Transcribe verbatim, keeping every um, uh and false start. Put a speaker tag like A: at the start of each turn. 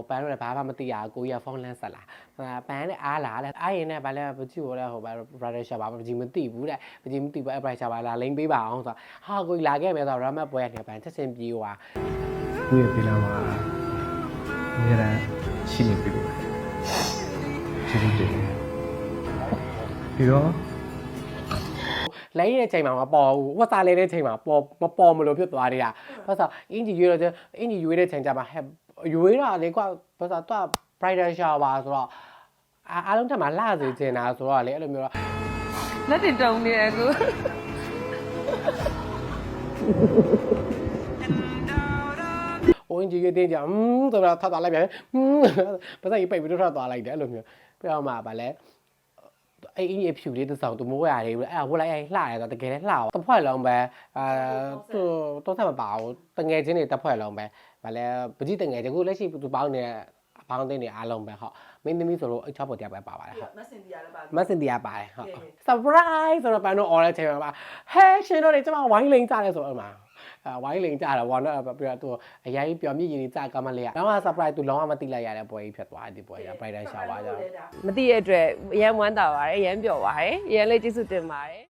A: ပန်းတော့ဘာမှမသိရကိုကြီးကဖုန်းလန်းဆက်လာပန်းနဲ့အားလာလဲအားရင်နဲ့ဗာလဲပကြည့်ဟိုလဲဟိုဗာ brother shop ပါပကြည့်မသိဘူးတဲ့ပကြည့်မသိဘူးအဲ့ brother shop ပါလာလိမ့်ပေးပါအောင်ဆိုဟာကိုကြီးလာခဲ့မယ်ဆိုတော့ ramat ပွဲနေပန်းချက်ချင်းပြေးသွား
B: ကိုယ့်ရဲ့ပြေးလာမှာအများအားရှိနေပြီလို့ကျေးဇူးတင်ပြီးတော့
A: လဲရတဲ့ချိန်မှာမပေါ်ဘူးဝတ်စားလဲတဲ့ချိန်မှာပေါ်မပေါ်မလို့ဖြစ်သွားတယ်ကဘာသာအင်ဂျီရွေးတော့အင်ဂျီရွေးတဲ့ချိန်ကျမှဟဲ့ရွေးတာလေကွာဘာသာတော့ bridal shower ဆိုတော့အားလုံးတက်မှာလှစေချင်တာဆိုတော့လေအဲ့လိုမျိုးတော့
C: လက်တင်တုံနေတယ်ကို
A: ဟိုအင်ဂျီရွေးတင်ကြอืมဆိုတော့ထပ်သွားလိုက်ပြန်อืมဘာသာကြီးပိတ်ပြီးတော့ထပ်သွားလိုက်တယ်အဲ့လိုမျိုးပြတော့မှဗာလဲအဲ့အင်းရဲ့ဖြူလေးတစ်စောင်သူမိုးရတယ်အဲ့ဒါဝတ်လိုက်ရင်လှတယ်ဆိုတော့တကယ်လည်းလှပါတစ်ဖွဲ့လုံးပဲအာသူတော့ဆက်မပါဘူးတငယ်ချင်းတွေတစ်ဖွဲ့လုံးပဲဗာလဲပကြည့်တငယ်ချင်းခုလက်ရှိသူပေါင်းနေအပေါင်းသိနေအားလုံးပဲဟုတ်မင်းသမီးဆိုတော့အချောပေါ်တရားပဲပါပါတယ်ဟုတ်
C: မစင်တီယာလည်းပါ
A: မစင်တီယာပါတယ်ဟုတ် surprise ဆိုတော့ပန်းတော့ order ချိန်မှာဟဲရှင်တို့တွေကျမဝိုင်းလိန်ကြတယ်ဆိုတော့မှာအဲဝိုင်းလိန်ကြတာဘောနော်ပြီးတော့သူအရင်ပျော်မြင့်ရည်ကြကမလေးอ่ะတော့ surprise သူလုံးဝမသိလိုက်ရတဲ့ပွဲကြီးဖြစ်သွားဒီပွဲကြီး bridal shower ကြောင့်
C: မသိရတဲ့အတွက်အရန်ဝမ်းသာပါတယ်အရန်ပျော်ပါတယ်အရန်လေးကျေးဇူးတင်ပါတယ်